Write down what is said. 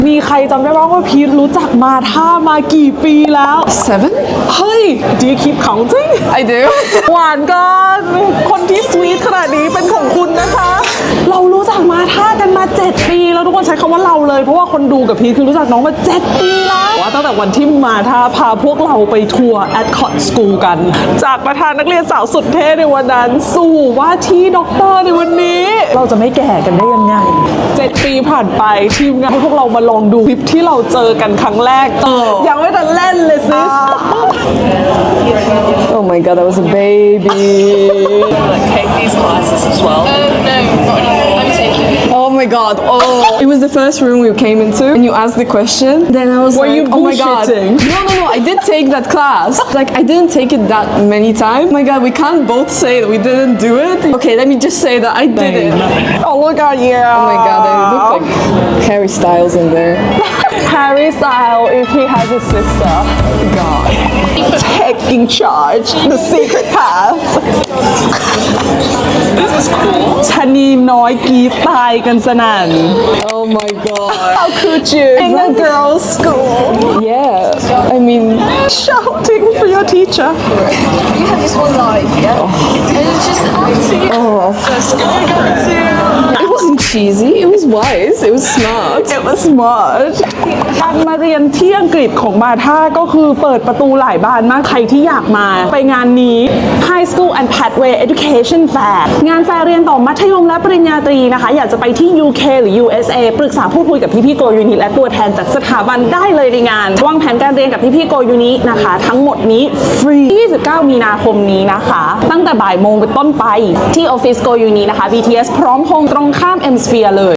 มีใครจำได้บ้างว่าพีทรู้จักมาท่ามากี่ปีแล้ว 7? เฮ้ย do you keep counting I do. หวานกันคนที่สวีทขนาดนี้เป็นของคุณนะคะ เรารู้จักมาท่ากันมา 7 ปีแล้วทุกคนใช้คำว่าเราเลยเพราะว่าคนดูกับพีทคือรู้จักน้องมา 7 ปีแล้วว่าตั้งแต่วันที่มาท่าพาพวกเราไปทัวร์ Adcott School กัน จากประธานนักเรียนสาวสุดเท่ในวันนั้นสู่ว่าที่ด็อกเตอร์ในวันนี้ เราจะไม่แก่กันได้ยังไง 7 ปีผ่านไปทีมงานให้พวกเรามาลองดูคลิปที่เราเจอกันครั้งแรกยังไม่ทันเล่นเลยซิส Oh my god, I was a baby. Take these classes as well. No, not anymore. I'm taking it. Oh my god. Oh, it was the first room we came into, and you asked the question. Then I was Were like, you oh my god. bullshitting? No. I did take that class. Like, I didn't take it that many times. Oh my god, we can't both say that we didn't do it. Okay, let me just say that I did it. Oh look at you Oh my god, I look like Harry Styles in there. Harry Styles if he has a sister. God. Taking charge, the secret path. This is cool. ชะนีน้อยกรีดตายกันสนั่น Oh my god. How could you in a girls' school Yeah. I mean, shouting for your teacher? You have this one live, yeah? And it's just up to you. Just go for it. it wasn't cheesy. It was wise. It was smart. It was smart การมาเรียนที่อังกฤษของมาท่าก็คือเปิดประตูหลายบานมากใครที่อยากมาไปงานนี้ High School and Pathway Education Fair งานแฟร์เรียนต่อมัธยมและปริญญาตรีนะคะอยากจะไปที่ UK หรือ USA ปรึกษาพูดคุยกับพี่ๆโกยูนิและตัวแทนจากสถาบันได้เลยในงานวางแผนการเรียนกับพี่ๆโกยูนินะคะทั้งหมดนี้ฟรี29 มีนาคมนี้นะคะตั้งแต่บ่ายโมงเป็นต้นไปที่ออฟฟิศโกยูนินะคะ BTS พร้อมพงษ์ตรงข้าม M Sphere เลย